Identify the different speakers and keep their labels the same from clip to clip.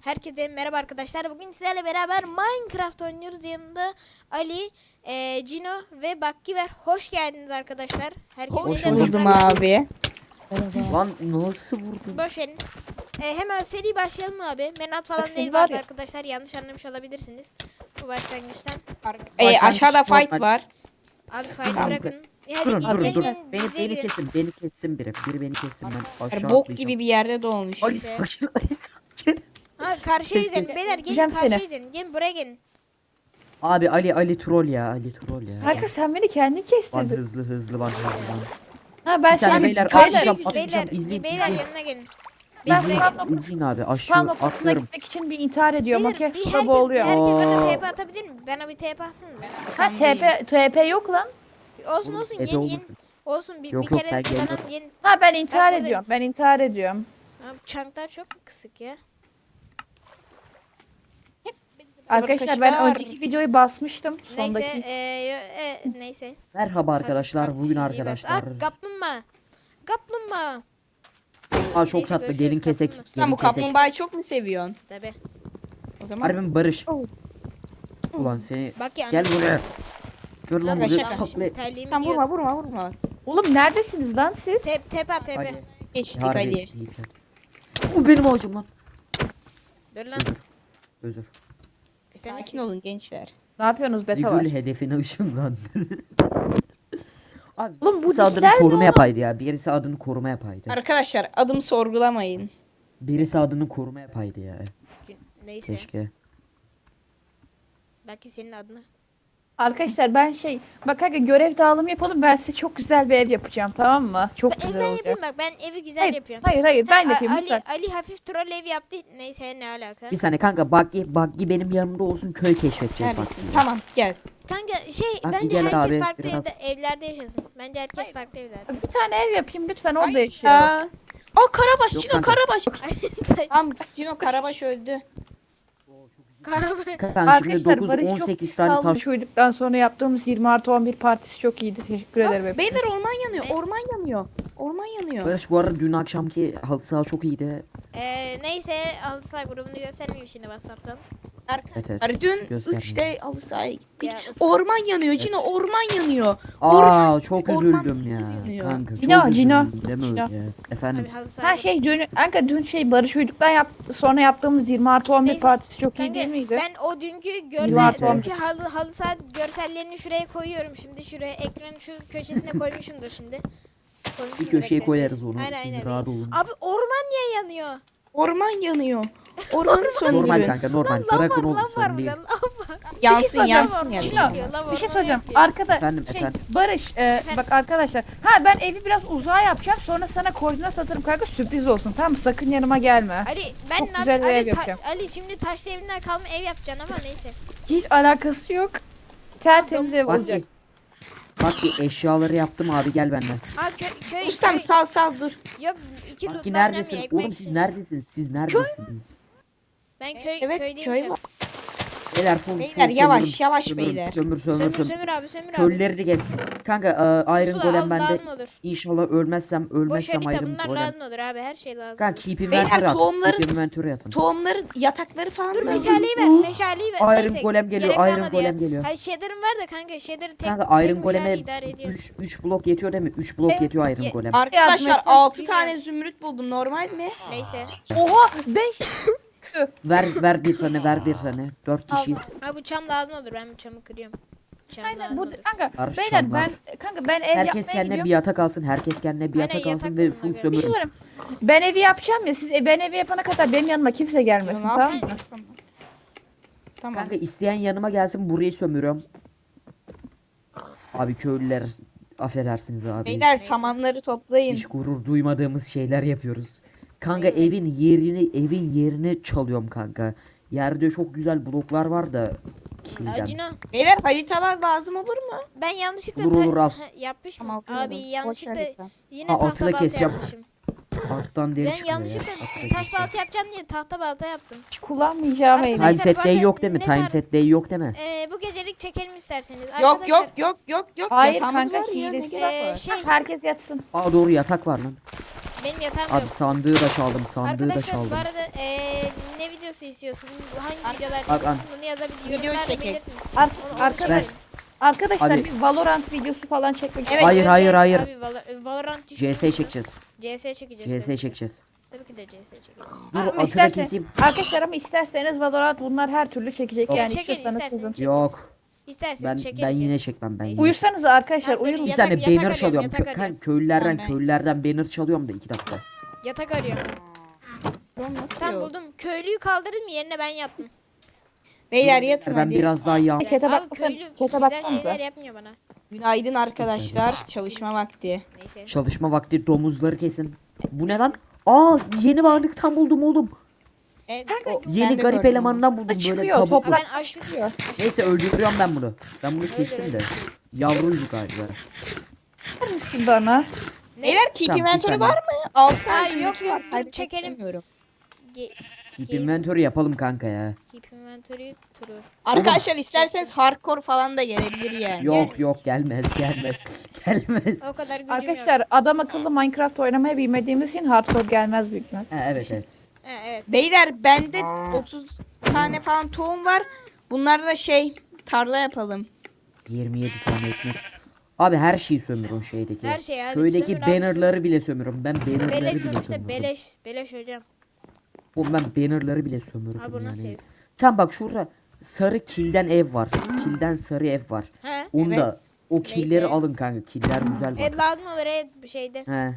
Speaker 1: Herkese merhaba arkadaşlar. Bugün sizlerle beraber Minecraft oynuyoruz. Yanında Ali, Cino ve Bakki var. Hoş geldiniz arkadaşlar. Herkes
Speaker 2: Hoş
Speaker 1: neden
Speaker 2: buldum
Speaker 1: toprak-
Speaker 2: abi.
Speaker 3: Lan nasıl vurdun?
Speaker 1: Boş verin. Hemen seri başlayalım abi. Menat falan
Speaker 2: Bak,
Speaker 1: değil
Speaker 2: seni var
Speaker 1: vardı
Speaker 2: ya.
Speaker 1: arkadaşlar. Yanlış anlamış olabilirsiniz. Bu başlangıçtan.
Speaker 2: Aşağıda
Speaker 3: Başlangıç
Speaker 2: fight var.
Speaker 1: Abi fight'ı
Speaker 2: Tamam.
Speaker 1: bırakın.
Speaker 3: Durun
Speaker 1: Hadi
Speaker 3: durun dur.
Speaker 1: gelin,
Speaker 3: Beni
Speaker 1: bize gidin.
Speaker 3: kesin, beni kessin biri. Biri beni kessin, ben aşağı
Speaker 2: Bok
Speaker 3: atlayacağım.
Speaker 2: gibi bir yerde doğmuş.
Speaker 3: Ali sakin, Ali sakin.
Speaker 1: Ha karşıya
Speaker 3: Kes,
Speaker 1: gidelim.
Speaker 3: kes.
Speaker 1: Beyler gelin
Speaker 2: Gideceğim
Speaker 1: karşıya
Speaker 2: seni.
Speaker 1: gidelim. Gelin buraya gelin.
Speaker 3: Abi Ali troll ya, Ali troll ya.
Speaker 4: Kanka sen beni kendin
Speaker 3: Van
Speaker 4: kestirdin.
Speaker 3: hızlı van hızlı.
Speaker 4: Ha ben
Speaker 3: Bir saniye
Speaker 4: şimdi
Speaker 3: beyler
Speaker 2: karşı-
Speaker 3: atlayacağım,
Speaker 1: Beyler,
Speaker 3: atlayacağım. İzleyin,
Speaker 1: beyler
Speaker 3: izleyin.
Speaker 1: yanına gelin.
Speaker 4: Ben
Speaker 1: Biz buraya
Speaker 4: spam
Speaker 1: gelin.
Speaker 4: noktasına-
Speaker 3: İzleyin abi,
Speaker 4: spam
Speaker 3: aşağı
Speaker 4: noktasına
Speaker 3: atlıyorum.
Speaker 4: gitmek için bir intihar ediyorum.
Speaker 1: Beyler,
Speaker 4: Okey.
Speaker 1: bir
Speaker 4: Burada
Speaker 1: herkes
Speaker 4: boğuluyor.
Speaker 1: bana
Speaker 3: Aa.
Speaker 1: TP atabilir mi? Bana bir TP atsınız.
Speaker 4: Ha TP yok lan.
Speaker 1: Olsun
Speaker 3: Oğlum,
Speaker 1: olsun
Speaker 3: ebe
Speaker 1: yeni
Speaker 3: olmasın.
Speaker 1: olsun bir,
Speaker 3: Yok,
Speaker 1: bir
Speaker 3: yok,
Speaker 1: kere
Speaker 3: ben
Speaker 1: tamam
Speaker 3: geliyorum.
Speaker 1: yeni.
Speaker 4: Ha ben intihar
Speaker 1: buradayım.
Speaker 4: ediyorum. Ben intihar ediyorum.
Speaker 1: Abi, çanklar çok kısık ya.
Speaker 4: Arkadaşlar ben
Speaker 2: Arkadaşlar.
Speaker 4: önceki videoyu basmıştım.
Speaker 1: Neyse
Speaker 4: Sondaki.
Speaker 1: neyse.
Speaker 3: Merhaba arkadaşlar, bugün
Speaker 1: Hafif
Speaker 3: arkadaşlar.
Speaker 1: Ah, kaplumbağa. Kaplumbağa.
Speaker 3: Aa çok
Speaker 1: Neyse,
Speaker 3: tatlı,
Speaker 1: görüşürüz,
Speaker 3: gelin kesek.
Speaker 1: kaplumbağa.
Speaker 2: Sen bu
Speaker 3: Gelin kesek.
Speaker 2: kaplumbağayı çok mu seviyorsun?
Speaker 1: Tabi.
Speaker 2: O zaman
Speaker 3: Harbim Barış.
Speaker 2: Oh.
Speaker 3: Ulan seni.
Speaker 1: Bak ya.
Speaker 3: Gel buraya. Gör lan
Speaker 2: Kanka,
Speaker 3: buraya
Speaker 2: şaka.
Speaker 3: takla.
Speaker 1: Terliğimi
Speaker 2: Tamam,
Speaker 1: giyiyorum.
Speaker 2: vurma.
Speaker 4: Oğlum neredesiniz lan siz?
Speaker 1: Tepe at tepe.
Speaker 3: Ali.
Speaker 2: Geçtik
Speaker 3: Harbi
Speaker 2: hadi.
Speaker 3: değil. O benim ağacım lan.
Speaker 1: Dur lan.
Speaker 3: Özür.
Speaker 2: Sakin olun gençler.
Speaker 4: Ne yapıyorsunuz beta var?
Speaker 3: Vigül hedefine ışınlandı. Abi
Speaker 4: Oğlum bu
Speaker 3: birisi adını
Speaker 4: dişler ne
Speaker 3: koruma
Speaker 4: oğlum?
Speaker 3: yapaydı ya. Birisi adını koruma yapaydı.
Speaker 2: Arkadaşlar adımı sorgulamayın.
Speaker 3: Birisi adını koruma yapaydı ya.
Speaker 1: Neyse.
Speaker 3: Keşke.
Speaker 1: Belki senin adına.
Speaker 4: Arkadaşlar ben bak kanka görev dağılımı yapalım. Ben size çok güzel bir ev yapacağım, tamam mı? Çok
Speaker 1: Ev
Speaker 4: güzel
Speaker 1: ben
Speaker 4: olacak.
Speaker 1: yapayım bak ben evi güzel
Speaker 4: Hayır,
Speaker 1: yapıyorum.
Speaker 4: hayır ben
Speaker 1: Ha,
Speaker 4: yapayım
Speaker 1: Ali,
Speaker 4: lütfen.
Speaker 1: Ali hafif troll ev yaptı. Neyse ne alaka.
Speaker 3: Bir saniye kanka Buggy benim yanımda olsun, köy keşfedeceğiz
Speaker 2: Neredesin?
Speaker 3: Buggy'yle.
Speaker 2: Tamam gel.
Speaker 1: Kanka
Speaker 3: Bak,
Speaker 1: bence
Speaker 3: gel
Speaker 1: herkes
Speaker 3: abi,
Speaker 1: farklı
Speaker 3: biraz-
Speaker 1: evlerde yaşasın. Bence herkes farklı evlerde.
Speaker 4: Bir tane ev yapayım lütfen, orada yaşayalım.
Speaker 2: Aa, o Karabaş,
Speaker 3: Yok
Speaker 2: Cino
Speaker 3: kanka.
Speaker 2: Karabaş. Tamam Cino Karabaş öldü.
Speaker 1: Karabı.
Speaker 3: Kanka şimdi
Speaker 4: Arkadaşlar
Speaker 3: 9
Speaker 4: Barış çok
Speaker 3: 18 tane taş.
Speaker 4: sağlıklı uyuduktan sonra yaptığımız 20+11 partisi çok iyiydi. Teşekkür ederim.
Speaker 2: Bak,
Speaker 4: hepinize.
Speaker 2: beyler orman yanıyor.
Speaker 1: Ne?
Speaker 2: Orman yanıyor.
Speaker 3: Barış bu arada dün akşamki halı saha çok iyiydi.
Speaker 1: Neyse Alsa grubunu göstermeyeyim şimdi WhatsApp'tan.
Speaker 2: Arkadaşlar dün
Speaker 3: göstermiyor.
Speaker 2: 3'te halı sahaya gittik.
Speaker 1: Ya,
Speaker 2: Orman yanıyor Cino, orman yanıyor.
Speaker 3: Aa çok
Speaker 2: orman
Speaker 3: üzüldüm ya.
Speaker 2: yanıyor.
Speaker 3: Kanka çok
Speaker 4: Cino, Cino,
Speaker 3: üzüldüm. Deme öyle
Speaker 4: Cino.
Speaker 3: ya. Efendim.
Speaker 1: Abi halı saha
Speaker 4: Ha dün Barış uyuduktan sonra yaptığımız 20+11
Speaker 1: Neyse,
Speaker 4: partisi çok iyi
Speaker 1: Kanka,
Speaker 4: değil miydi?
Speaker 1: ben o dünkü
Speaker 4: Neyse.
Speaker 1: dünkü halı saha görsellerini şuraya koyuyorum şimdi. Şuraya ekranın şu köşesine koymuşumdur şimdi. Koymuşumdur
Speaker 3: Bir köşeye
Speaker 1: ekranın
Speaker 3: koyarız
Speaker 1: köşesine.
Speaker 3: onu.
Speaker 1: Aynen
Speaker 3: Siz
Speaker 1: aynen.
Speaker 3: rahat olun.
Speaker 1: Abi orman niye yanıyor?
Speaker 2: Orman yanıyor. Ormanı
Speaker 3: Normal
Speaker 2: söndürün.
Speaker 3: kanka normal.
Speaker 1: Lan lav
Speaker 3: Bırakın
Speaker 1: var
Speaker 3: oğlum
Speaker 1: lav var
Speaker 3: sorun değil.
Speaker 1: burada lav var.
Speaker 2: Yansın
Speaker 4: soracağım.
Speaker 2: yansın
Speaker 1: Lav
Speaker 2: yani.
Speaker 1: var,
Speaker 4: Cino,
Speaker 1: lav
Speaker 4: bir şey
Speaker 1: orman
Speaker 4: soracağım.
Speaker 1: yapıyor.
Speaker 4: Arkada
Speaker 3: Efendim, efendim.
Speaker 4: Barış bak arkadaşlar. Ha ben evi biraz uzağa yapacağım. Sonra sana koordinat atarım kanka, sürpriz olsun, tamam mı? Sakın yanıma gelme.
Speaker 1: Ali ben
Speaker 4: Çok
Speaker 1: ne
Speaker 4: güzel bir
Speaker 1: Ali,
Speaker 4: ev yapacağım.
Speaker 1: Ali şimdi taşlı evinden kalma ev yapacaksın ama neyse.
Speaker 4: Hiç alakası yok. Tertemiz ev
Speaker 3: Bak
Speaker 4: olacak.
Speaker 3: Bak bir eşyaları yaptım abi, gel benden.
Speaker 1: Aa köy
Speaker 2: Ustam sal dur.
Speaker 1: Yok iki
Speaker 3: Bak
Speaker 1: lootlar
Speaker 3: neredesin?
Speaker 1: ekmek
Speaker 3: Oğlum siz
Speaker 1: için.
Speaker 3: neredesiniz? Siz neredesiniz?
Speaker 1: Ben
Speaker 2: Evet
Speaker 1: köydeyim
Speaker 2: köy
Speaker 1: şu an.
Speaker 2: var.
Speaker 3: Beyler full
Speaker 2: Beyler, yavaş, yavaş beyler.
Speaker 3: Sömür.
Speaker 1: Sömür abi sömür abi.
Speaker 3: Köyleri gez. Kanka Iron
Speaker 1: Pusula
Speaker 3: Golem
Speaker 1: al,
Speaker 3: bende.
Speaker 1: lazım olur.
Speaker 3: İnşallah ölmezsem
Speaker 1: Boş
Speaker 3: Iron
Speaker 1: harita bunlar
Speaker 3: Golem.
Speaker 1: lazım olur abi her şey lazım
Speaker 3: Kanka
Speaker 1: olur.
Speaker 3: keep
Speaker 2: Beyler,
Speaker 3: inventory atın.
Speaker 2: tohumları-
Speaker 3: Keep inventory atın.
Speaker 2: Tohumları, yatakları falan
Speaker 1: Dur
Speaker 2: da.
Speaker 1: meşaleyi ver meşaleyi ver.
Speaker 3: Iron
Speaker 1: Neyse,
Speaker 3: Golem geliyor,
Speaker 1: gerek
Speaker 3: Iron
Speaker 1: kalmadı
Speaker 3: Golem
Speaker 1: ya.
Speaker 3: geliyor.
Speaker 1: Hayır shader'ım var da kanka shader tek
Speaker 3: Kanka Iron
Speaker 1: tek
Speaker 3: Golem'e
Speaker 1: meşale idare ediyor.
Speaker 3: 3 blok yetiyor değil mi? 3 blok
Speaker 4: Evet.
Speaker 3: yetiyor Iron Golem.
Speaker 2: Arkadaşlar
Speaker 4: Yardım
Speaker 2: 6
Speaker 1: et.
Speaker 2: tane zümrüt buldum, normal mi?
Speaker 1: Neyse.
Speaker 4: Oha ben
Speaker 3: Ver bir tane. 4 kişiyiz.
Speaker 1: Abi bu çam lazım olur ben bu çamı kırıyorum. Çam
Speaker 4: aynen
Speaker 1: lazım
Speaker 4: bu
Speaker 1: olur.
Speaker 4: kanka
Speaker 3: Var,
Speaker 4: beyler
Speaker 3: çam var.
Speaker 4: ben ev
Speaker 3: Herkes
Speaker 4: yapmaya
Speaker 3: kendine
Speaker 4: gidiyorum.
Speaker 3: bir yatak alsın. Herkes kendine bir
Speaker 1: Aynen,
Speaker 3: yatak alsın
Speaker 1: yatak
Speaker 3: ve
Speaker 1: bulun
Speaker 3: full
Speaker 1: ona göre.
Speaker 4: Bir şey
Speaker 3: sömürün.
Speaker 4: söyleyeyim. Ben evi yapacağım ya, siz ben evi yapana kadar benim yanıma kimse gelmesin,
Speaker 2: Ne
Speaker 4: tamam mı?
Speaker 2: yapıyorsun? Tamam.
Speaker 3: Kanka isteyen yanıma gelsin, burayı sömürüyorum. Abi köylüler affedersiniz abi.
Speaker 2: Beyler samanları toplayın.
Speaker 3: Hiç gurur duymadığımız şeyler yapıyoruz. Kanka
Speaker 1: Neyse.
Speaker 3: evin yerini çalıyorum kanka. Yerde çok güzel bloklar var da kilden.
Speaker 1: Acına
Speaker 2: Beyler haritalar lazım olur mu?
Speaker 1: ben yanlışlıkla
Speaker 3: Olur, al.
Speaker 1: yapmışım.
Speaker 2: Tamam,
Speaker 1: Abi
Speaker 2: alıyorum. Boş
Speaker 1: yanlışlıkla
Speaker 2: harita.
Speaker 1: yine
Speaker 3: Ha,
Speaker 1: tahta
Speaker 3: altıda
Speaker 1: balta
Speaker 3: keseceğim.
Speaker 1: yapmışım.
Speaker 3: Alttan deri
Speaker 1: Ben
Speaker 3: çıkıyor ya.
Speaker 1: yanlışlıkla
Speaker 3: Altıda
Speaker 1: taş
Speaker 3: keseceğim.
Speaker 1: balta yapacağım diye tahta balta yaptım.
Speaker 4: Hiç kullanmayacağım evi.
Speaker 1: Arkadaşlar,
Speaker 3: Time set day
Speaker 1: bakın,
Speaker 3: yok değil mi?
Speaker 1: ne
Speaker 3: Time
Speaker 1: tar-
Speaker 3: set day yok değil mi?
Speaker 1: Bu gecelik çekelim isterseniz.
Speaker 2: Yok
Speaker 1: Arkadaşlar,
Speaker 2: yok.
Speaker 4: Hayır
Speaker 2: Yatağımız
Speaker 4: kanka,
Speaker 2: var ya, ne
Speaker 4: hilesi.
Speaker 2: gerek var?
Speaker 1: şey
Speaker 4: Herkes yatsın.
Speaker 3: Aa doğru, yatak var lan.
Speaker 1: Benim yatağım
Speaker 3: Abi
Speaker 1: yok.
Speaker 3: sandığı da çaldım. Sandığı da
Speaker 1: Arkadaşlar
Speaker 3: çaldım.
Speaker 1: bu arada ne videosu istiyorsun? Hangi videolar
Speaker 3: Abi,
Speaker 1: istiyorsun? Bunu yazabilir.
Speaker 2: Video
Speaker 1: Yorumlarda
Speaker 2: çekek.
Speaker 1: belirtin.
Speaker 4: Ar-
Speaker 1: Onu
Speaker 4: arkadaş,
Speaker 1: çekelim.
Speaker 4: arkadaşlar
Speaker 3: Abi-
Speaker 4: bir Valorant videosu falan çekmek
Speaker 2: Evet,
Speaker 3: Hayır,
Speaker 1: Evet,
Speaker 3: hayır,
Speaker 1: CS
Speaker 3: hayır.
Speaker 1: Abi, Valorant
Speaker 3: CS çekeceğiz.
Speaker 1: CS çekeceğiz.
Speaker 3: CS çekeceğiz.
Speaker 1: Tabii ki de CS çekeceğiz.
Speaker 3: Dur
Speaker 4: Ama
Speaker 3: atı da
Speaker 4: istersen-
Speaker 3: keseyim.
Speaker 4: Arkadaşlar ama isterseniz Valorant bunlar her türlü çekecek
Speaker 3: Yok.
Speaker 4: yani
Speaker 1: Çekin,
Speaker 4: istiyorsanız
Speaker 1: istersen
Speaker 4: kızın.
Speaker 1: çekeriz.
Speaker 3: Yok.
Speaker 1: İstersen
Speaker 3: Ben
Speaker 1: çekeriz.
Speaker 3: yine çekmem ben.
Speaker 1: Neyse.
Speaker 3: Yine.
Speaker 4: Uyursanız arkadaşlar
Speaker 1: Tamam, dur,
Speaker 4: uyurun.
Speaker 3: Bir
Speaker 1: yatak-
Speaker 3: tane
Speaker 1: yatak
Speaker 3: banner
Speaker 1: arıyorum,
Speaker 3: çalıyorum.
Speaker 1: yatak arıyorum.
Speaker 3: Köylülerden
Speaker 2: Ben-
Speaker 3: köylülerden banner çalıyorum da 2 dakika.
Speaker 1: Yatak arıyorum.
Speaker 2: Oğlum nasıl
Speaker 1: Tamam
Speaker 2: yok?
Speaker 1: buldum. Köylüyü kaldırdım yerine ben yaptım.
Speaker 2: Beyler yatın
Speaker 3: Ben
Speaker 2: hadi.
Speaker 3: biraz daha yan.
Speaker 4: Chat'e
Speaker 1: Abi
Speaker 4: bakmasan-
Speaker 1: köylü
Speaker 4: chat'e
Speaker 1: güzel
Speaker 4: baksanıza.
Speaker 1: şeyler yapmıyor bana.
Speaker 2: Günaydın arkadaşlar. Çalışma vakti.
Speaker 1: Neyse.
Speaker 3: Çalışma vakti domuzları kesin. Bu ne lan? Aa yeni varlıktan buldum oğlum.
Speaker 2: Evet,
Speaker 3: Yeni garip elemandan buldum böyle
Speaker 4: Çıkıyor,
Speaker 3: kabuklu.
Speaker 4: toprak-
Speaker 1: Ben açlık
Speaker 4: Çıkıyor.
Speaker 3: Neyse öldürüyorum ben bunu. Ben bunu kestim
Speaker 1: öldür.
Speaker 3: de. Yavrucuk galiba.
Speaker 4: Var mısın bana?
Speaker 2: Beyler keep
Speaker 3: Tamam, bir
Speaker 2: inventory
Speaker 3: saniye.
Speaker 2: var mı? 6
Speaker 1: Ay,
Speaker 2: tane
Speaker 1: yok, yok, dur,
Speaker 2: Kaybetmek
Speaker 1: çekelim.
Speaker 2: istemiyorum.
Speaker 3: Keep inventory yapalım kanka ya.
Speaker 1: Keep inventory true.
Speaker 2: Arkadaşlar isterseniz hardcore falan da gelebilir yani.
Speaker 3: Yok yok gelmez gelmez. Gelmez.
Speaker 1: O kadar gücüm
Speaker 4: Arkadaşlar
Speaker 1: yok.
Speaker 4: adam akıllı Minecraft oynamayı bilmediğimiz için hardcore gelmez büyük ihtimal.
Speaker 3: Ha, evet evet.
Speaker 1: Evet.
Speaker 2: Beyler bende 30 tane falan tohum var. Bunları da tarla yapalım.
Speaker 3: 27 tane ekmek. Abi her şeyi sömürün şeydeki.
Speaker 1: Her şey abi,
Speaker 3: Köydeki
Speaker 1: sömür abi,
Speaker 3: bannerları bile sömürün. Ben bannerları
Speaker 1: Beleş
Speaker 3: bile
Speaker 1: sonuçta
Speaker 3: sömürürüm.
Speaker 1: beleş. Beleş hocam.
Speaker 3: Oğlum ben bannerları bile sömürürüm
Speaker 1: Abi bu nasıl
Speaker 3: yani.
Speaker 1: ev?
Speaker 3: Tam bak şurada sarı kilden ev var. Kilden sarı ev var.
Speaker 1: He?
Speaker 3: Onu da
Speaker 2: Evet.
Speaker 3: o killeri
Speaker 1: Neyse.
Speaker 3: alın kanka. Killer güzel bak.
Speaker 1: Evet lazım olur evet bir şeyde.
Speaker 3: He.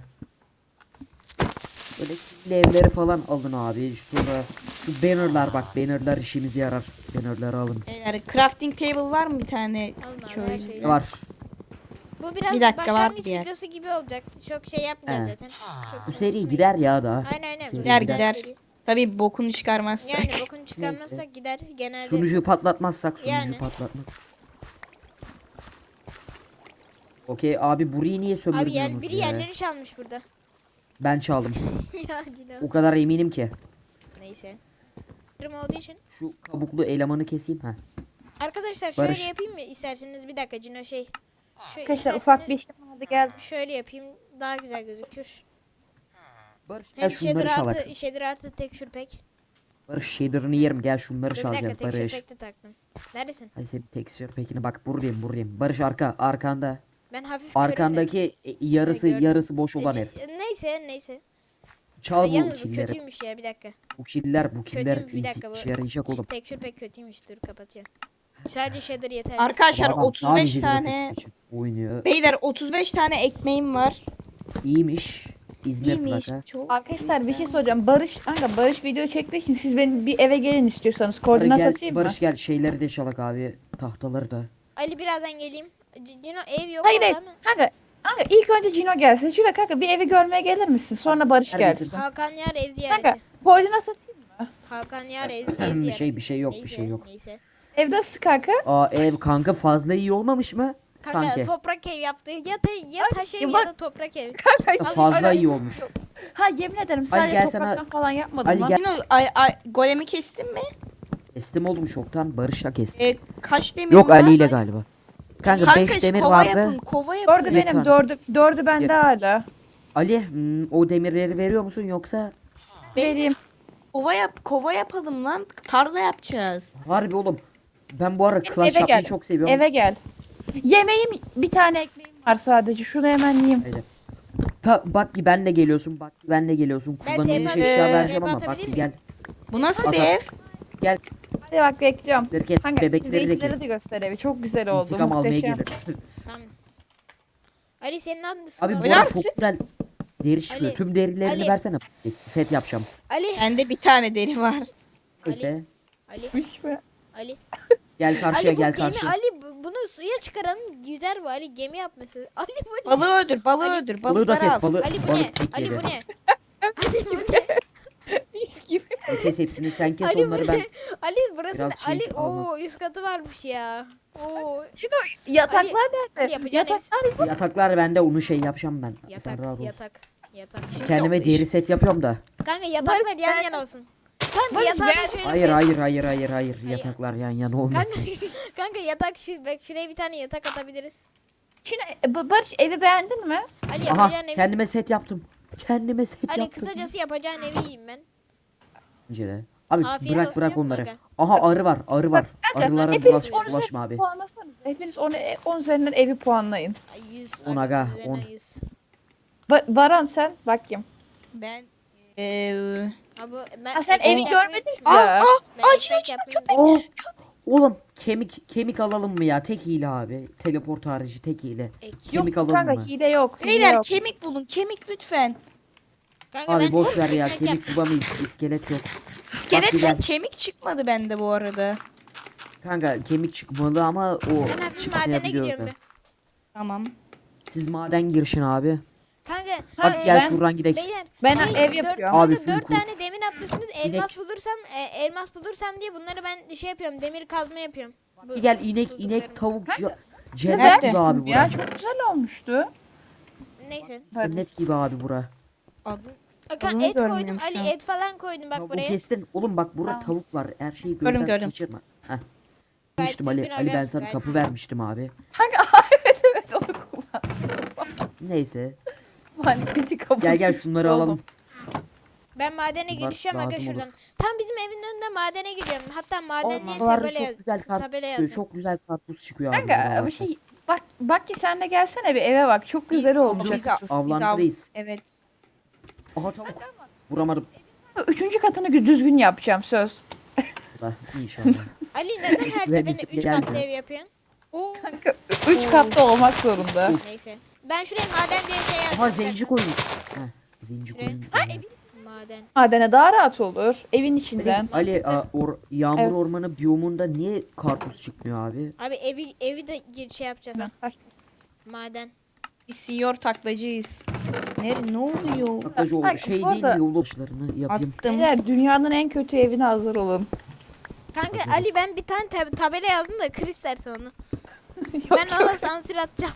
Speaker 3: Böyle killi evleri falan alın abi. Şurada şu bannerlar bak. Bannerlar işimize yarar. Bannerları alın.
Speaker 2: Beyler crafting table var mı bir tane
Speaker 1: Alın abi, her
Speaker 2: köylü?
Speaker 1: şeyi.
Speaker 3: Ne var?
Speaker 1: Bu biraz
Speaker 2: Bir dakika, var
Speaker 1: başlangıç
Speaker 2: bir yer.
Speaker 1: videosu gibi olacak. Çok şey yapmayacağız
Speaker 3: He.
Speaker 1: zaten. Çok
Speaker 3: Bu
Speaker 1: uzun
Speaker 3: seri
Speaker 1: tutmayız.
Speaker 3: gider ya daha.
Speaker 1: Aynen aynen.
Speaker 3: Seri
Speaker 1: bu
Speaker 2: Gider,
Speaker 1: güzel
Speaker 2: gider.
Speaker 1: seri.
Speaker 2: Tabii bokunu çıkarmazsak.
Speaker 1: Yani bokunu çıkarmazsak gider genelde.
Speaker 3: Sunucuyu patlatmazsak sunucu
Speaker 1: Yani.
Speaker 3: patlatmaz. Okey abi burayı niye
Speaker 1: Abi
Speaker 3: sömürmüyorsunuz
Speaker 1: biri
Speaker 3: ya?
Speaker 1: yerleri çalmış burada.
Speaker 3: Ben çaldım.
Speaker 1: Ya Cino.
Speaker 3: O kadar eminim ki.
Speaker 1: Neyse. Durum olduğu için.
Speaker 3: Şu kabuklu elemanı keseyim ha.
Speaker 1: Arkadaşlar şöyle
Speaker 3: Barış.
Speaker 1: yapayım mı isterseniz bir dakika Cino Şöyle
Speaker 4: Arkadaşlar ufak bir işlem oldu geldi.
Speaker 1: Şöyle yapayım daha güzel gözükür.
Speaker 3: Barış gel
Speaker 1: Hem
Speaker 3: şunları
Speaker 1: shader
Speaker 3: çalak.
Speaker 1: artı, shader artı tekstür pack.
Speaker 3: Barış shader'ını yerim gel şunları
Speaker 1: Dur bir dakika
Speaker 3: çalacağız
Speaker 1: tekstür
Speaker 3: Barış.
Speaker 1: pack de taktım. Neredesin?
Speaker 3: Hadi senin texture pack'ini bak buradayım. Barış arkanda.
Speaker 1: Ben hafif körüm de.
Speaker 3: Arkandaki yarısı
Speaker 1: gördüm.
Speaker 3: yarısı boş olan ev.
Speaker 1: Neyse.
Speaker 3: Çal bu
Speaker 1: Yalnız bu
Speaker 3: killeri.
Speaker 1: kötüymüş ya bir dakika.
Speaker 3: Bu killer
Speaker 1: Kötüymüş bir dakika bu.
Speaker 3: işe yarayacak oğlum.
Speaker 1: Tekstür pack kötüymüş dur kapatıyorum. Sadece shader yeter.
Speaker 2: Arkadaşlar
Speaker 3: Bu adam
Speaker 2: 35
Speaker 3: sadece
Speaker 2: tane
Speaker 3: grafik için oynuyor.
Speaker 2: Beyler 35 tane ekmeğim var.
Speaker 3: İyiymiş. İzmir
Speaker 2: İyiymiş.
Speaker 3: plaka.
Speaker 2: Çok
Speaker 4: Arkadaşlar bir şey soracağım. Barış video çektiği için siz benim bir eve gelin istiyorsanız.
Speaker 3: Barış
Speaker 4: Koordinat
Speaker 3: gel,
Speaker 4: atayım mı?
Speaker 3: Barış gel şeyleri de çalak abi. Tahtaları da.
Speaker 1: Ali birazdan geleyim. Cino ev yok
Speaker 4: Hayır
Speaker 1: orada
Speaker 4: hayır.
Speaker 1: mı?
Speaker 4: Kanka ilk önce Cino gelsin. Şurada kanka bir evi görmeye gelir misin? Sonra Barış
Speaker 3: Neredesin?
Speaker 4: gelsin.
Speaker 1: Hakan Yar ev
Speaker 4: Kanka
Speaker 1: ziyareti.
Speaker 4: koordinat atayım mı?
Speaker 1: Hakan Yar ev
Speaker 3: Bir
Speaker 1: ziyareti.
Speaker 3: bir şey yok, bir
Speaker 1: Neyse,
Speaker 3: şey yok.
Speaker 1: Neyse.
Speaker 4: Ev nasıl kanka?
Speaker 3: Aa ev kanka fazla iyi olmamış mı?
Speaker 1: Kanka
Speaker 3: Sanki.
Speaker 1: toprak ev yaptı. Ya taş ev
Speaker 4: ya
Speaker 1: ya
Speaker 4: bak-
Speaker 1: da toprak ev.
Speaker 4: Kanka
Speaker 1: Al
Speaker 3: Fazla
Speaker 1: işte.
Speaker 3: iyi olmuş.
Speaker 4: ha yemin ederim sadece
Speaker 3: gel sana-
Speaker 4: topraktan falan yapmadım
Speaker 3: Ali
Speaker 4: lan.
Speaker 3: gel.
Speaker 2: Yine golemi kestin mi?
Speaker 3: Kestim oğlum çoktan. Barış'la kestim.
Speaker 2: Kaç demir
Speaker 3: Yok
Speaker 2: var?
Speaker 3: Ali ile galiba. Kanka
Speaker 2: Kanka
Speaker 3: 5 demir
Speaker 2: kova
Speaker 3: vardı.
Speaker 2: yapın, kova yapın.
Speaker 4: Dördü
Speaker 3: Yeter.
Speaker 4: benim, dördü bende hala.
Speaker 3: Ali o demirleri veriyor musun yoksa?
Speaker 4: Vereyim.
Speaker 2: Kova yapalım lan. Tarla yapacağız.
Speaker 3: Harbi oğlum. Ben bu ara
Speaker 4: Benim
Speaker 3: Clash
Speaker 4: eve
Speaker 3: yapmayı
Speaker 4: gel.
Speaker 3: çok seviyorum.
Speaker 4: Eve gel. Yemeğim bir tane ekmeğim var sadece. Şunu hemen yiyeyim.
Speaker 3: Öyle. Bak ki benle geliyorsun. Bak ki benle geliyorsun.
Speaker 1: Ben
Speaker 3: Kullanılmış
Speaker 1: TP
Speaker 3: eşya
Speaker 2: atabilir
Speaker 3: vereceğim ama bak
Speaker 1: miyim?
Speaker 3: ki gel.
Speaker 2: Bu nasıl
Speaker 3: At,
Speaker 2: bir
Speaker 3: at.
Speaker 2: ev?
Speaker 3: Gel.
Speaker 4: Hadi bak bekliyorum.
Speaker 3: Bebekleri kes.
Speaker 4: Kanka
Speaker 3: Bebekleri de
Speaker 4: izleyicilere
Speaker 3: kes.
Speaker 4: de göster evi. Çok güzel oldu.
Speaker 3: İntikam almaya
Speaker 4: Muhteşem.
Speaker 3: gelir.
Speaker 1: Tamam. Ali senin adın
Speaker 3: Abi bu
Speaker 2: Öyle
Speaker 3: arada
Speaker 2: artık.
Speaker 3: çok güzel deri çıkıyor.
Speaker 1: Ali,
Speaker 3: Tüm derilerini
Speaker 1: Ali.
Speaker 3: versene. Set yapacağım.
Speaker 1: Ali.
Speaker 2: Bende bir tane deri var.
Speaker 3: Neyse.
Speaker 1: Ali.
Speaker 4: Üç mü?
Speaker 1: Ali.
Speaker 3: Gel karşıya
Speaker 1: Ali bu
Speaker 3: gel
Speaker 1: gemi
Speaker 3: karşıya.
Speaker 1: Ali bunu suya çıkaran güzel bu Ali gemi yapması. Ali bu ne?
Speaker 2: Balığı öldür, balığı
Speaker 1: Ali-
Speaker 2: öldür.
Speaker 3: Balığı da
Speaker 2: Balıkları al.
Speaker 3: kes. Balık
Speaker 1: Ali bu ne?
Speaker 3: çek
Speaker 1: Ali
Speaker 3: yeri.
Speaker 1: bu ne? Ali bu ne?
Speaker 4: Mis gibi.
Speaker 3: Kes hepsini sen kes
Speaker 1: Ali bu
Speaker 3: onları
Speaker 1: ne?
Speaker 3: ben.
Speaker 1: Ali burası
Speaker 3: Biraz
Speaker 1: ne?
Speaker 3: şey
Speaker 1: Ali
Speaker 3: almak.
Speaker 1: o üst katı varmış ya. Oo
Speaker 4: Şimdi yataklar
Speaker 1: Ali
Speaker 4: nerede?
Speaker 1: yapacağın
Speaker 4: Yataklar
Speaker 3: Yataklar bende onu şey yapacağım ben. Sen rahat ol.
Speaker 1: yatak.
Speaker 3: Kendime deri set yapıyorum da.
Speaker 1: Kanka yataklar
Speaker 4: Barış,
Speaker 1: yan
Speaker 4: ben-
Speaker 1: yana olsun. Kanka
Speaker 4: Barış,
Speaker 1: yatağı da
Speaker 4: ben-
Speaker 1: şöyle
Speaker 3: Hayır
Speaker 1: koy.
Speaker 3: hayır. Yataklar yan yana
Speaker 1: Kanka,
Speaker 3: olmasın.
Speaker 1: kanka yatak bak şuraya bir tane yatak atabiliriz.
Speaker 4: Şimdi Barış evi beğendin mi?
Speaker 1: Ali
Speaker 3: Aha
Speaker 1: yapacağın evi.
Speaker 3: kendime set yaptım. Kendime set
Speaker 1: Ali
Speaker 3: yaptım.
Speaker 1: kısacası yapacağın evi yiyeyim ben.
Speaker 3: Bence de. Abi
Speaker 1: Afiyet
Speaker 3: bırak
Speaker 1: olsun,
Speaker 3: bırak
Speaker 1: yok mu
Speaker 3: onları.
Speaker 1: aga?
Speaker 3: Aha arı var arı var.
Speaker 4: Kanka,
Speaker 3: Arılara
Speaker 4: hepiniz
Speaker 1: bulaş-
Speaker 4: 10
Speaker 3: bulaşma
Speaker 4: üzerinden
Speaker 3: abi.
Speaker 4: puanlasanız. Hepiniz 10 üzerinden evi puanlayın.
Speaker 1: Ay, 100.
Speaker 3: On
Speaker 1: aga,
Speaker 3: aga,
Speaker 1: üzerine
Speaker 3: 10.
Speaker 1: 100.
Speaker 4: Baran sen bakayım.
Speaker 2: Ben
Speaker 1: Abi ben
Speaker 4: Ha, sen
Speaker 1: ekmek
Speaker 4: evi
Speaker 1: yapmayı
Speaker 4: görmedin
Speaker 1: düşünüyorum.
Speaker 4: ya.
Speaker 1: Ben
Speaker 2: Acil,
Speaker 1: ekmek
Speaker 2: acil,
Speaker 1: yapmayı
Speaker 2: köpek.
Speaker 1: düşünüyorum.
Speaker 3: Oğlum kemik alalım mı ya? Tek hile abi. Teleport harici tek hile.
Speaker 1: Ek.
Speaker 3: Kemik
Speaker 4: Yok
Speaker 3: alalım
Speaker 4: kanka
Speaker 3: mı?
Speaker 4: hile yok. Hile
Speaker 2: beyler
Speaker 4: yok.
Speaker 2: kemik bulun. Kemik lütfen.
Speaker 1: Kanka
Speaker 3: Abi
Speaker 1: ben
Speaker 3: boş ver ya.
Speaker 1: ekmek
Speaker 3: Kemik
Speaker 1: yaptım.
Speaker 3: bulamayız. İskelet yok. Bak
Speaker 2: İskeletten
Speaker 3: güzel.
Speaker 2: kemik çıkmadı bende bu arada.
Speaker 3: Kanka kemik çıkmalı ama o
Speaker 1: Ben hafif madene
Speaker 3: çıkmayabiliyor
Speaker 1: gidiyorum
Speaker 3: da.
Speaker 1: bir.
Speaker 2: Tamam.
Speaker 3: Siz maden girişin abi.
Speaker 1: Kanka
Speaker 3: Hadi
Speaker 4: Ha,
Speaker 3: gel
Speaker 4: ben-
Speaker 3: şuradan gidelim.
Speaker 1: beyler
Speaker 4: Ben
Speaker 1: şey,
Speaker 4: ev
Speaker 1: dört-
Speaker 4: yapıyorum.
Speaker 3: Abi
Speaker 1: kanka
Speaker 3: full
Speaker 1: 4
Speaker 3: cool.
Speaker 1: tane demir atmışsınız. Elmas bulursam diye bunları ben şey yapıyorum. Demir kazma yapıyorum. Bu-
Speaker 3: Gel inek
Speaker 1: bulduklarımı.
Speaker 3: tavuk
Speaker 4: Kanka,
Speaker 3: cennet
Speaker 2: nerede?
Speaker 3: gibi abi
Speaker 4: Ya
Speaker 3: bura.
Speaker 4: çok güzel olmuştu.
Speaker 1: Neyse.
Speaker 3: Cennet gibi abi bura.
Speaker 2: Adı
Speaker 1: Kanka
Speaker 2: Adını
Speaker 1: et koydum.
Speaker 2: görmüyorum şu
Speaker 1: Ali
Speaker 2: an.
Speaker 1: et falan koydum bak
Speaker 3: Tavuğu
Speaker 1: buraya.
Speaker 3: kestin. Oğlum bak burada
Speaker 4: Tamam.
Speaker 3: tavuk var. Her şeyi
Speaker 2: Gördüm,
Speaker 3: gözden
Speaker 2: gördüm.
Speaker 3: kaçırma. Heh.
Speaker 1: Gayet
Speaker 3: Demiştim Ali.
Speaker 1: düzgün
Speaker 3: Ali
Speaker 1: aga,
Speaker 3: ben sana
Speaker 1: gayet
Speaker 3: kapı
Speaker 1: düzgün.
Speaker 3: vermiştim abi.
Speaker 4: Kanka evet onu kullan.
Speaker 3: Neyse.
Speaker 4: Mantıklı kabul.
Speaker 3: Gel gel şunları
Speaker 4: Oğlum.
Speaker 3: alalım.
Speaker 1: Ben madene
Speaker 3: Bunlar
Speaker 1: girişiyorum aga
Speaker 3: lazım olur.
Speaker 1: şuradan. Tam bizim evin önünde madene gidiyorum. Hatta maden diye
Speaker 3: Oraları
Speaker 1: tabela
Speaker 3: çok güzel karpuz
Speaker 1: tabela
Speaker 3: çıkıyor.
Speaker 1: yazdım.
Speaker 3: Çok güzel karpuz çıkıyor abi.
Speaker 4: Kanka
Speaker 3: buralarda.
Speaker 4: bir şey bak ki sen de gelsene bir eve bak. Çok güzel olmuş.
Speaker 2: Biz-
Speaker 4: açıkçası.
Speaker 3: Avlandırıyız.
Speaker 2: Evet.
Speaker 3: Aha tavuk. Vuramadım.
Speaker 4: Üçüncü katını düzgün yapacağım söz.
Speaker 3: Da inşallah.
Speaker 1: Ali neden her seferinde
Speaker 3: bisiklet
Speaker 1: 3
Speaker 3: geldi.
Speaker 1: katlı ev yapıyorsun?
Speaker 4: Kanka 3 katlı olmak zorunda.
Speaker 1: Neyse. Ben şuraya maden diye şey yazdım.
Speaker 3: Aha zenci koyun. Heh, zenci koyun.
Speaker 1: Maden.
Speaker 4: Madene daha rahat olur. Evin içinden.
Speaker 3: Ali yağmur
Speaker 4: Evet.
Speaker 3: ormanı biyomunda niye karpuz çıkmıyor abi?
Speaker 1: Abi evi de şey yapacağız. ha. Maden.
Speaker 2: Biz senior taklacıyız. Ne oluyor?
Speaker 3: Baklacı
Speaker 4: Ay,
Speaker 3: olur. Şey
Speaker 4: bu
Speaker 3: değil
Speaker 4: arada-
Speaker 3: mi yol başlarını yapayım.
Speaker 2: Attım.
Speaker 4: Beyler dünyanın en kötü evine hazır olun.
Speaker 1: Kanka
Speaker 3: Hazırız.
Speaker 1: Ali ben bir tane tabela yazdım da kır isterse onu.
Speaker 4: Yok,
Speaker 1: Ben ona sansür atacağım.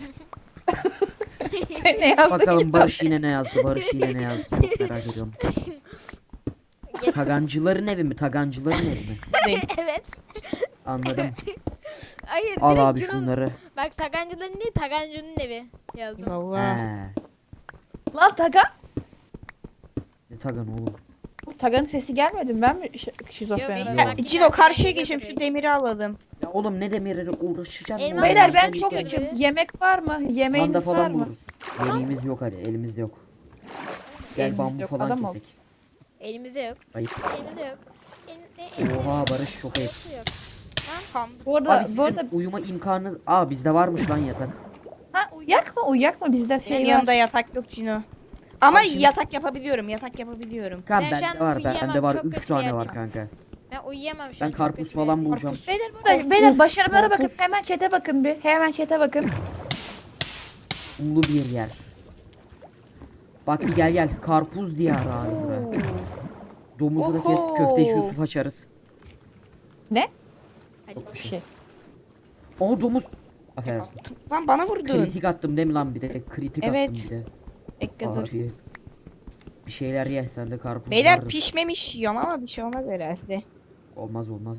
Speaker 4: ne yazdı
Speaker 3: Bakalım
Speaker 4: ki?
Speaker 3: Barış yine ne yazdı? Barış yine ne yazdı? Çok merak ediyorum. Tagancıların evi mi? Tagancıların evi mi?
Speaker 2: Buradayım.
Speaker 1: Evet.
Speaker 3: Anladım.
Speaker 1: Hayır
Speaker 3: Al
Speaker 1: direkt
Speaker 3: abi
Speaker 1: Cun'un-
Speaker 3: şunları.
Speaker 1: Bak Tagancıların değil Tagancı'nın evi yazdım.
Speaker 2: Allah.
Speaker 3: He.
Speaker 4: Lan Tagan.
Speaker 3: Ne tagan oğlum?
Speaker 4: Tagan'ın sesi gelmedi mi? Ben mi şizofren?
Speaker 1: Yok,
Speaker 4: oluyorum?
Speaker 1: bak-
Speaker 2: Cino karşıya geçeyim, şu demiri alalım.
Speaker 3: Ya oğlum ne demirleri uğraşacağım ya.
Speaker 1: Elmas
Speaker 4: Beyler ben
Speaker 1: Elmas
Speaker 4: çok
Speaker 1: geldi.
Speaker 4: açım. Yemek var mı?
Speaker 3: Panda
Speaker 4: Yemeğiniz var
Speaker 3: falan
Speaker 4: mı?
Speaker 3: buluruz. Yemeğimiz yok hadi elimizde yok. Gel
Speaker 4: Elimizde
Speaker 3: bambu
Speaker 4: yok,
Speaker 3: falan
Speaker 4: adam ol.
Speaker 3: kesek.
Speaker 1: Elimizde yok.
Speaker 3: Ayıp.
Speaker 1: Elimizde yok. Elimde
Speaker 3: Oha Barış çok ayıp.
Speaker 1: yok.
Speaker 4: Bu arada,
Speaker 3: Abi
Speaker 4: bu
Speaker 3: sizin
Speaker 4: arada
Speaker 3: uyuma imkanınız... Aa bizde varmış lan yatak.
Speaker 4: ha, uyak mı bizde
Speaker 2: Benim
Speaker 4: şey
Speaker 2: yanımda
Speaker 4: var.
Speaker 2: yatak yok Cino. Ama
Speaker 3: Abi şimdi-
Speaker 2: yatak yapabiliyorum. Yatak yapabiliyorum.
Speaker 3: Kan
Speaker 1: Ben şu an
Speaker 3: bende var
Speaker 1: uyuyamam,
Speaker 3: bende var
Speaker 1: çok
Speaker 3: 3
Speaker 1: kötü
Speaker 3: tane
Speaker 1: bir
Speaker 3: var
Speaker 1: yerdeyim.
Speaker 3: kanka.
Speaker 1: Ben uyuyamam şu
Speaker 3: Ben
Speaker 1: an. çok
Speaker 3: karpuz
Speaker 1: kötü bir
Speaker 3: falan
Speaker 1: yerdeyim.
Speaker 3: bulacağım.
Speaker 4: Beyler burada beyler başarılara bakın.
Speaker 3: korkuz.
Speaker 4: Hemen chat'e bakın bir. Hemen chat'e bakın.
Speaker 3: Ulu bir yer. Bak bir gel karpuz diyarı abi buraya. Domuzu da kes
Speaker 2: Oho.
Speaker 3: köfteyi Yusuf açarız.
Speaker 4: Ne?
Speaker 1: Hadi.
Speaker 3: Yok bir
Speaker 4: Bir
Speaker 3: şey.
Speaker 4: şey.
Speaker 3: Aa domuz. Affedersin.
Speaker 2: Lan bana vurdun.
Speaker 3: Kritik attım değil mi lan bir de? Kritik
Speaker 2: Evet.
Speaker 3: attım bir de.
Speaker 2: Bekle dur.
Speaker 3: Abi. Bir şeyler ye sen de karpuz
Speaker 2: Beyler
Speaker 3: vardır.
Speaker 2: pişmemiş yiyorum ama bir şey olmaz herhalde.
Speaker 3: Olmaz. Oğlum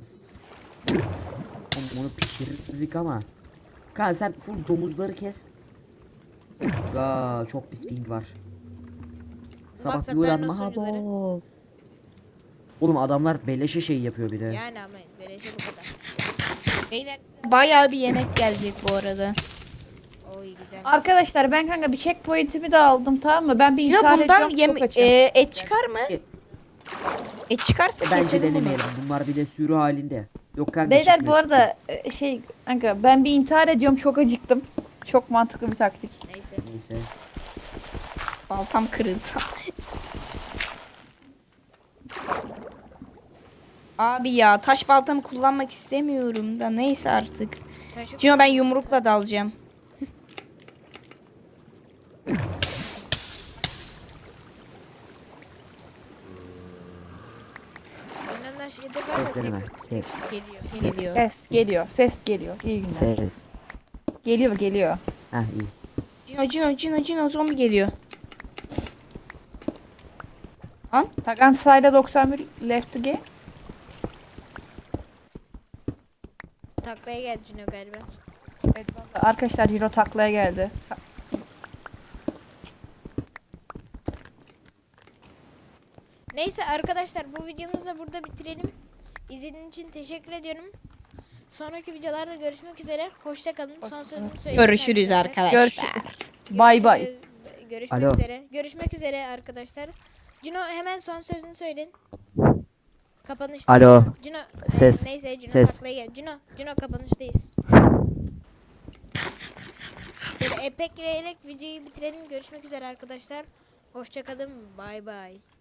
Speaker 3: onu pişirirdik ama. Kan sen full domuzları kes. Aa çok pis ping var. Sabah bir
Speaker 1: Maksatlarının
Speaker 3: uyanma
Speaker 1: sunucuları.
Speaker 3: bol. Oğlum adamlar beleşe şey yapıyor bir de.
Speaker 1: Yani ama beleşe bu kadar.
Speaker 2: Beyler bayağı bir yemek gelecek bu arada.
Speaker 1: Oy güzel.
Speaker 4: Arkadaşlar ben kanka bir checkpoint'imi de aldım tamam mı? Ben bir
Speaker 2: Cino
Speaker 4: intihar
Speaker 2: bundan
Speaker 4: ediyorum çok açım.
Speaker 2: et çıkar mı?
Speaker 3: E-
Speaker 2: Et çıkarsa
Speaker 3: Bence
Speaker 2: keselim bunu.
Speaker 3: denemeyelim. Bunlar bir de sürü halinde. Yok kanka.
Speaker 4: Beyler bu
Speaker 3: çıkmıyor.
Speaker 4: arada şey kanka ben bir intihar ediyorum çok acıktım. Çok mantıklı bir taktik.
Speaker 1: Neyse.
Speaker 3: Neyse.
Speaker 2: Baltam kırıldı. Abi ya taş baltamı kullanmak istemiyorum da neyse artık.
Speaker 1: Taşı
Speaker 2: Cino ben yumrukla dalacağım.
Speaker 1: Ondan şeyde var mı?
Speaker 3: Ses deneme. Ses.
Speaker 2: Geliyor.
Speaker 4: Ses geliyor. Ses geliyor. İyi günler.
Speaker 3: Ses.
Speaker 4: Geliyor.
Speaker 3: Heh iyi.
Speaker 2: Cino zombi geliyor.
Speaker 4: Tagan sayda 91 left to game.
Speaker 1: Taklaya geldi Cino galiba.
Speaker 4: Evet, arkadaşlar Hiro taklaya geldi.
Speaker 1: Neyse arkadaşlar bu videomuzu da burada bitirelim. İzlediğiniz için teşekkür ediyorum. Sonraki videolarda görüşmek üzere. Hoşça kalın. Son sözümü söyleyeyim.
Speaker 2: Görüşürüz arkadaşlar.
Speaker 4: Görüşürüz. Bay bay.
Speaker 1: Görüşmek
Speaker 3: Alo.
Speaker 1: üzere. Görüşmek üzere arkadaşlar. Cino hemen son sözünü söyleyin. Kapanışta.
Speaker 3: Alo.
Speaker 1: Cino.
Speaker 3: Ses.
Speaker 1: Neyse Cino
Speaker 3: Ses.
Speaker 1: taklaya gel. Cino kapanıştayız. Böyle epekleyerek videoyu bitirelim. Görüşmek üzere arkadaşlar. Hoşça kalın. Bay bay.